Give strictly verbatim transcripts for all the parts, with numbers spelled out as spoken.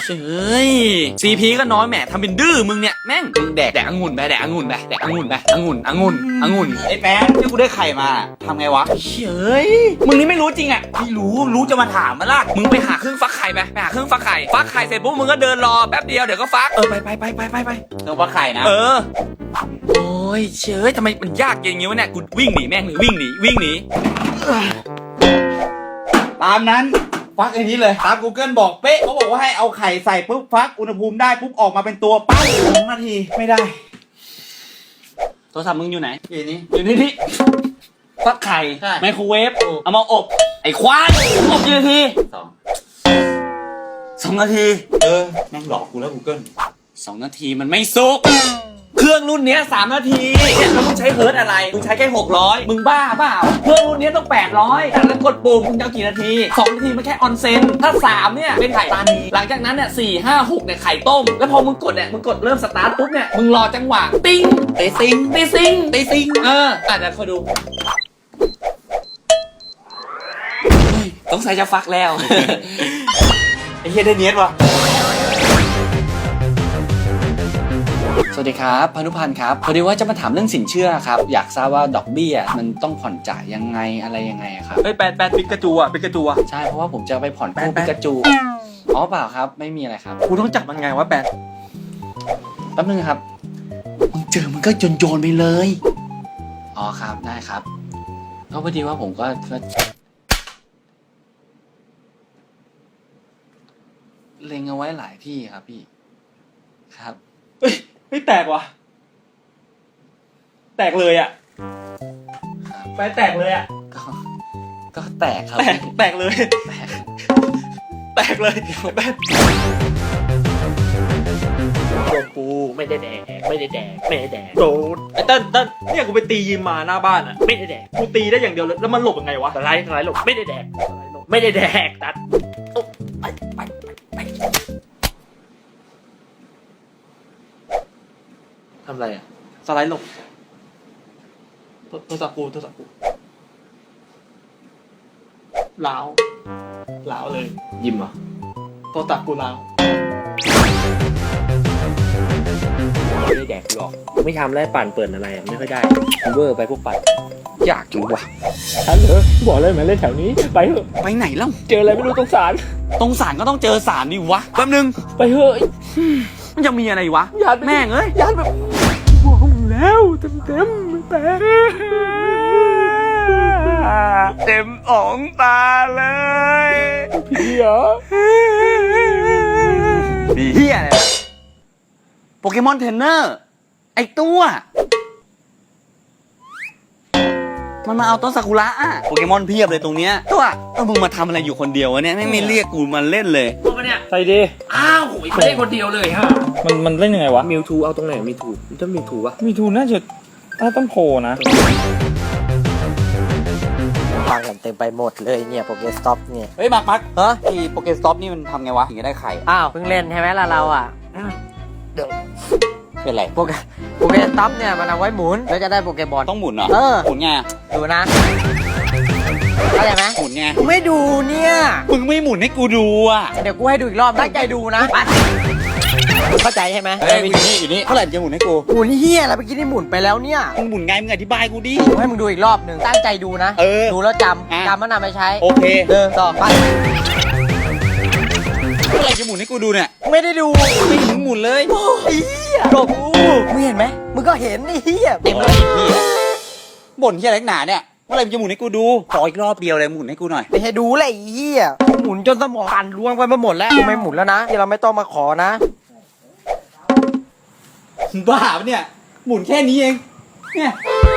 ฮ้ยซีพีก็น้อยแหมทำเป็นดื้อมึงเนี่ยแม่งแดกแดกองุ่นไปแดกองุ่นไปแดกองุ่นไปองุ่นองุ่นองุ่นไอ้แป๊ะที่กูได้ไข่มาทำไงวะเฮ้ยมึงนี่ไม่รู้จริงอ่ะไม่รู้รู้จะมาถามมาล่ะมึงไปหาเครื่องฟักไข่ไปไปหาเครื่องฟักไข่ฟักไข่เสร็จปุ๊บมึงก็เดินรอแป๊บเดียวเดี๋ยวก็ฟักเออไปไปไปไปไปไปเครื่องฟักไข่นะเออโอ้ยเชยทำไมมันยากอย่างงี้วะเนี่ยกูวิ่งหนีแม่งเลยวิ่งหนีวิ่งหนีตามนั้นฟักไอ้นี้เลยตาม Google บอกเป๊ะเขาบอกว่าให้เอาไข่ใส่ปุ๊บฟักอุณหภูมิได้ปุ๊บออกมาเป็นตัวปั้งสองนาทีไม่ได้โทรศัพท์มึงอยู่ไหนอยู่นี่อยู่นี่ที่ฟักไข่ไมโครเวฟเอามาอบไอ้ควายอบกี่นาทีสองสองนาทีเออแม่งหลอกกูแล้ว Google สองนาทีมันไม่สุกเครื่องรุ่นนี้สามนาทีเนี่ยแล้วมึงใช้เฮิร์ตอะไรมึงใช้แค่หกร้อยมึงบ้าเปล่าเครื่องรุ่นนี้ต้องแปดร้อยแล้วกดปุ่มมึงจะกี่นาทีสองนาทีมันแค่ออนเซนถ้าสามเนี่ยเป็นไข่ตานีหลังจากนั้นเนี่ยสี่ห้าหกเนี่ยไข่ต้มแล้วพอมึงกดเนี่ยมึงกดเริ่มสตาร์ทปุ๊บเนี่ยมึงรอจังหวะติ้งเตซิงเตซิงเตซิงเอออ่ะเดี๋ยวคอยดูต้องใส่จะฟักแล้วไอ้เหี้ยได้เนียดวะสวัสดีครับพานุพันธ์ครับพอดีว่าจะมาถามเรื่องสินเชื่อครับอยากทราบว่าดอกเบี้ยมันต้องผ่อนจ่ายยังไงอะไรยังไงครับเฮ้ยแปดแปดปิกาจูอ่ะปิกาจูอ่ะใช่เพราะว่าผมจะไปผ่อนกู้ปิกาจูอ๋อเปล่าครับไม่มีอะไรครับกูต้องจับมันไงวะแปดแป๊บนึงครับมึงเจอมันก็โยนโยนไปเลยอ๋อครับได้ครับก็พอดีว่าผมก็เล็งเอาไว้หลายที่ครับพี่ครับเฮ้ยไม่แตกว่ะแตกเลยอ่ะไปแตกเลยอ่ะก็ก็แตกครับแตกแตกเลยแตกแตกเลยแตกตัวปูไม่ได้แดกไม่ได้แดกไม่ได้แดกโดนไอ้เต้นเต้นเนี่ยกูไปตียิมมาหน้าบ้านอ่ะไม่ได้แดกกูตีได้อย่างเดียวเลยแล้วมันหลบยังไงวะสไลด์สไลด์หลบไม่ได้แดกไม่ได้แดกตัดไปไปไปทำไรอ่ะสไลด์หลบโทรศัพท์กูโทรศัพท์กูล้าวล้าวเลยยิ้มเหรอโทรศัพท์กูล้าวไม่ได้แดกหรอกไม่ทำแล้วปั่นเปิดอะไรไม่ค่อยได้เวอร์ไปพวกปั่นอยากอยู่ว่ะฮัลโหลบอกเลยมาเล่นแถวนี้ไปเถอะไปไหนเล่าเจออะไรไม่รู้ตรงศาลตรงศาลก็ต้องเจอศาลดิวะแป๊บนึงไปเถอะมันจะมีอะไรวะแม่งเอ้ยญาติแบบบอกแล้วเต็มเต็มแต่เต็มอ่องตาเลยพี่เหรอพี่เฮียอะไรโปเกมอนเทรนเนอร์ไอตัวมันมาเอาต้นซากุระอะโปเกมอนเพียบเลยตรงเนี้ยตัวเออมึงมาทำอะไรอยู่คนเดียววะเนี่ยไม่ไม่เรียกกูมาเล่นเลยตัวเนี่ยใส่ดีอ้าวโหยไม่ได้คนเดียวเลยฮะมันมันเล่นยังไงวะมิวทูเอาตรงไหนมิวทูมันต้องมิวทูวะมิวทูน่าจะถ้าต้องโผล่นะฟังกันเต็มไปหมดเลยเนี่ยโปเกสต็อปเนี่ยเฮ้ยมาร์คมาร์คฮะไอ้โปเกสต็อปนี่มันทำไงวะถึงจะได้ไข่อ้าวเพิ่งเล่นใช่ไหมล่ะเราอ่ะเดี๋ยวเป็นไรโปเกโปเกสต็อปเนี่ยมันเอาไว้หมุนแล้วจะได้โปเกบอลต้องหมุนเหรอเออหมุนไงดูนะเข้าใจไหมหมุนไงกูไม่ดูเนี่ยมึงไม่หมุนให้กูดูอ่ะเดี๋ยวกูให้ดูอีกรอบตั้งใจดูนะเข้าใจใช่ไหมเฮ้ยอยู่นี่อยู่นี่เท่าไหร่จะหมุนให้กูหมุนเฮียอะไรเมื่อกี้นี่หมุนไปแล้วเนี่ยมึงหมุนไงมึงอธิบายกูดิกูให้มึงดูอีกรอบหนึ่งตั้งใจดูนะเออดูแล้วจำจำแล้วนำไปใช้โอเคเดินต่อไปเท่าไหร่จะหมุนให้กูดูเนี่ยไม่ได้ดูไม่มึงหมุนเลยโอ้ยเฮียบอกกูมึงเห็นไหมมึงก็เห็นนี่เฮียเต็มเลยเฮียบ่นเฮียอะไรหนาเนี่ยเมื่อไหร่จะหมุนให้กูดูขออีกรอบเดียวเลยหมุนให้กูหน่อยไม่ให้ดูเลยเฮียหมุนจนสมองปั่นล่วงไปมาหมดแล้วไม่หมุนแล้วนะที่เราไม่ต้องมาขอนะบ้าปะเนี่ยหมุนแค่นี้เองเนี่ย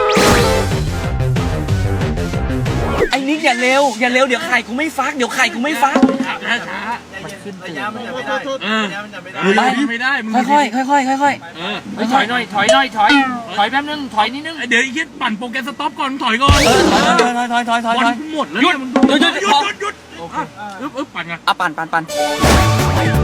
ไอ้นิกอย่าเร็วอย่าเร็วเดี๋ยวไข่กูไม่ฟักเดี๋ยวไข่กูไม่ฟักช้าช้ามันขึ้นระยะมันจะไม่ได้ระยะมันจะไม่ได้ไม่ได้ค่อยค่อยค่อยค่อยค่อยถอยหน่อยถอยหน่อยถอยถอยแป๊บนึงถอยนิดนึงเดี๋ยวไอ้คิดปั่นโปรแกรมสต็อปก่อนถอยก่อนถอยถอยถอยถอยถอยถอยหมดแล้วหยุดหยุดหยุดหยุดโอเคอึ๊บอึ๊บปั่นไงอ่ะปั่นปั่นปั่น